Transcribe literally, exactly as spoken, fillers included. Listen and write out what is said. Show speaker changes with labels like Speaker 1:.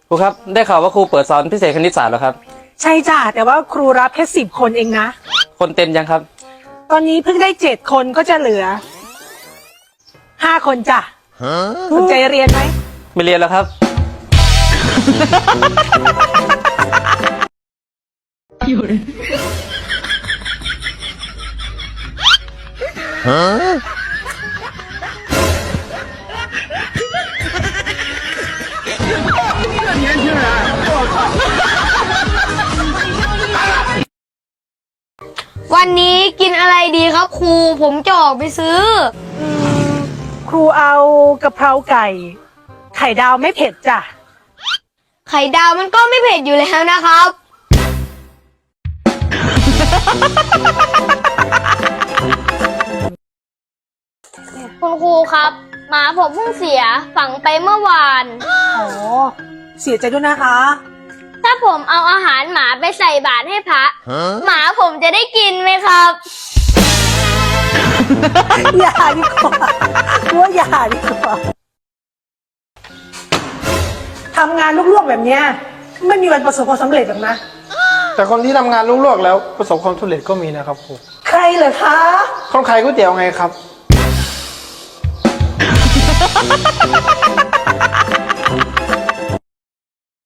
Speaker 1: ครูครับได้ข่าวว่าครูเปิดสอนพิเศษคณิตศาสตร์เหรอครับ
Speaker 2: ใช่จ้ะแต่ว่าครูรับแค่สิบคนเองนะ
Speaker 1: คนเต็มยังครับ
Speaker 2: ตอนนี้เพิ่งได้เจ็ดคนก็จะเหลือห้าคนจ้ะสนใจเรียนไหม
Speaker 1: ไม่เรียนแล้วครับ
Speaker 3: วันนี้กินอะไรดีครับครูผมจะออกไปซื้อ
Speaker 2: อืมครูเอากะเพราไก่ไข่ดาวไม่เผ็ดจ้ะ
Speaker 3: ไข่ดาวมันก็ไม่เผ็ดอยู่แล้วนะครับคุณครูครับหมาผมเพิ่งเสียฝังไปเมื่อวาน
Speaker 2: อ๋อเสียใจด้วยนะคะ
Speaker 3: ถ้าผมเอาอาหารหมาไปใส่บาตรให้พระหมาผมจะได้กินไหมครับ
Speaker 2: อย่าดีกว่าว่าอย่าดีกว่าทำงานลวกๆแบบเนี้ยไม่มีวันประสบความสำเร็จหรอกนะ
Speaker 4: แต่คนที่ทำงานลวกๆแล้วประสบความสำเร็จก็มีนะครับครู
Speaker 2: ใครเหรอคะ
Speaker 4: คนขายก๋วยเตี๋ยวไงครับ